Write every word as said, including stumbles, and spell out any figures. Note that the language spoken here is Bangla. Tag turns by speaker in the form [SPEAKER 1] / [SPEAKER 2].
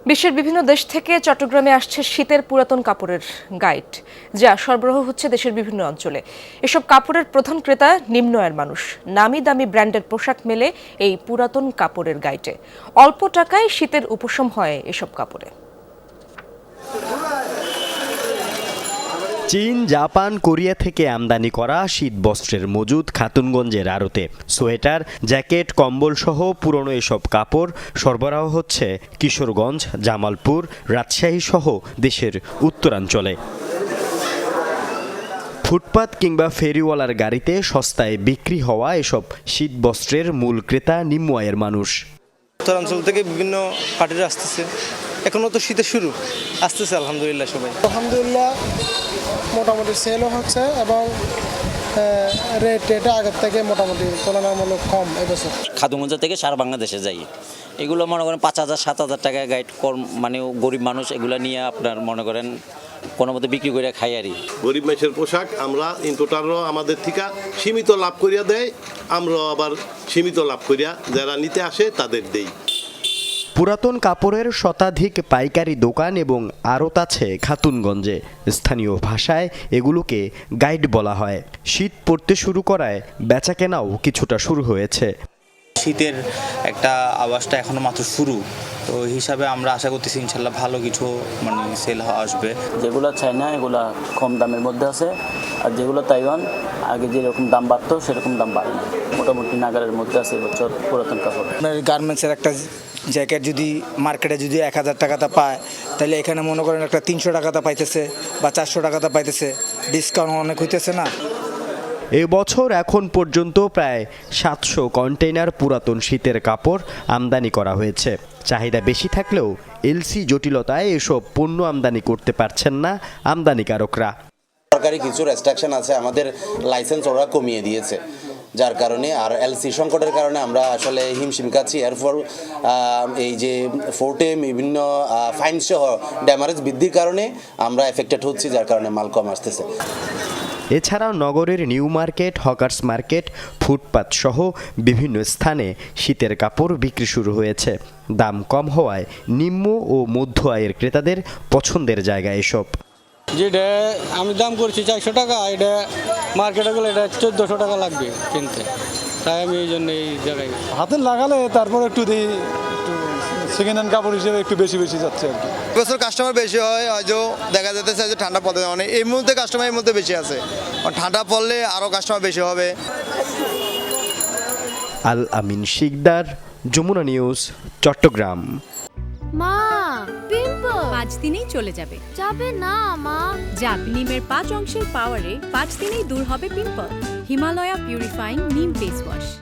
[SPEAKER 1] বিশ্বের বিভিন্ন দেশ থেকে চট্টগ্রামে আসছে শীতের পুরাতন কাপড়ের গাইড, যা সরবরাহ হচ্ছে দেশের বিভিন্ন অঞ্চলে। এসব কাপড়ের প্রধান ক্রেতা নিম্ন আয়ের মানুষ। নামি দামি ব্র্যান্ডের পোশাক মেলে এই পুরাতন কাপড়ের গাইডে। অল্প টাকায় শীতের উপশম হয় এসব কাপড়ে।
[SPEAKER 2] চীন, জাপান, কোরিয়া থেকে আমদানি করা শীত বস্ত্রের মজুদ খাতুনগঞ্জের আড়তে। সোয়েটার, জ্যাকেট, কম্বল সহ পুরনো এসব কাপড় সরবরাহ হচ্ছে কিশোরগঞ্জ, জামালপুর, রাজশাহী সহ দেশের উত্তরাঞ্চলে। ফুটপাত কিংবা ফেরিওয়ালার গাড়িতে সস্তায় বিক্রি হওয়া এসব শীত বস্ত্রের মূল ক্রেতা নিম্ন আয়ের মানুষ।
[SPEAKER 3] উত্তরাঞ্চল থেকে বিভিন্ন পার্টিরা আসতেছে, এখনো তো শীতের শুরু, আসতেছে আলহামদুলিল্লাহ সবাই।
[SPEAKER 4] আলহামদুলিল্লাহ মোটামুটি সেলও হচ্ছে এবং রেট এটা আগের থেকে মোটামুটি তুলনামূলক কম এবছর।
[SPEAKER 5] খাতুনগঞ্জ থেকে সারা বাংলাদেশে যাই, এগুলো মনে করেন পাঁচ হাজার সাত হাজার টাকা গাইড কম, মানে গরিব মানুষ এগুলো নিয়ে আপনার মনে করেন কোনো মতো বিক্রি করে খাই আরই।
[SPEAKER 6] গরিব মানুষের পোশাক আমরা ইম্পোর্টাররাও আমাদের থেকে সীমিত লাভ করিয়া দেয়, আমরা আবার সীমিত লাভ করিয়া যারা নিতে আসে তাদের দেই।
[SPEAKER 2] পুরাতন কাপড়ের শতাধিক পাইকারি দোকান এবং আড়ত আছে খাতুনগঞ্জে। স্থানীয় ভাষায় এগুলোকে গাইড বলা হয়। শীত পড়তে শুরু করায় বেচাকেনাও কিছুটা শুরু হয়েছে।
[SPEAKER 7] শীতের একটা আওয়াজটা এখনো মাত্র শুরু, তো হিসাবে আমরা আশা করতেছি ইনশাল্লাহ ভালো কিছু মানে সেল আসবে।
[SPEAKER 8] যেগুলো চায়না এগুলা কম দামের মধ্যে আছে, আর যেগুলো তাইওয়ান আগে যেরকম দাম বাড়তো সেরকম দাম বাড়ে না, মোটামুটি নাগারের মধ্যে আছে এবছর পুরাতন কাপড়।
[SPEAKER 9] গার্মেন্টসের একটা জ্যাকেট যদি মার্কেটে যদি এক হাজার টাকাতে পায়, তাহলে এখানে মনে করেন একটা তিনশো টাকাতে পাইতেছে বা চারশো টাকাতে পাইতেছে, ডিসকাউন্ট অনেক হইতেছে না।
[SPEAKER 2] এ বছর এখন পর্যন্ত প্রায় সাতশো কন্টেইনার পুরাতন শীতের কাপড় আমদানি করা হয়েছে। চাহিদা বেশি থাকলেও এলসি জটিলতায় এসব পণ্য আমদানি করতে পারছেন না আমদানিকারকরা।
[SPEAKER 10] সরকারি কিছু রেস্ট্রিকশন আছে, আমাদের লাইসেন্স ওরা কমিয়ে দিয়েছে, যার কারণে আর এলসি সংকটের কারণে আমরা আসলে হিমশিম খাচ্ছি। এরপর এই যে ফোর্টে বিভিন্ন ফাইন সহ ড্যামারেজ বৃদ্ধির কারণে আমরা এফেক্টেড হচ্ছি, যার কারণে মাল কম আসতেছে।
[SPEAKER 2] এছাড়াও নগরের new market, hawkers market, footpath সহ বিভিন্ন স্থানে শীতের কাপড় বিক্রি শুরু হয়েছে। দাম কম হওয়ায় নিম্ন ও মধ্য আয়ের ক্রেতাদের পছন্দের জায়গা এসব।
[SPEAKER 11] যেটা আমি দাম করছি চারশো টাকা, এটা মার্কেটে গেলে এটা চোদ্দোশো টাকা লাগবে কিনতে, তাই আমি এই জন্য এই জায়গায়
[SPEAKER 4] হাতে লাগালে তারপর একটু দিই, একটু সেকেন্ড হ্যান্ড কাপড় হিসেবে একটু বেশি বেশি যাচ্ছে আর কি।
[SPEAKER 3] এবছর কাস্টমার বেশি হয়, হয়তো দেখা যেতেছে যে ঠান্ডা পড়ে, মানে এই মুহূর্তে কাস্টমার এর মধ্যে বেশি আছে, ঠান্ডা পড়লে আরও কাস্টমার বেশি হবে।
[SPEAKER 2] আল আমিন শিকদার, যমুনা নিউজ, চট্টগ্রাম।
[SPEAKER 12] মা, পিম্পল পাঁচ দিনেই চলে যাবে। যাবে না মা, যাক নিমের পাঁচ অংশের পাওয়ারে পাঁচ দিনেই দূর হবে pimple. Himalaya purifying neem face wash.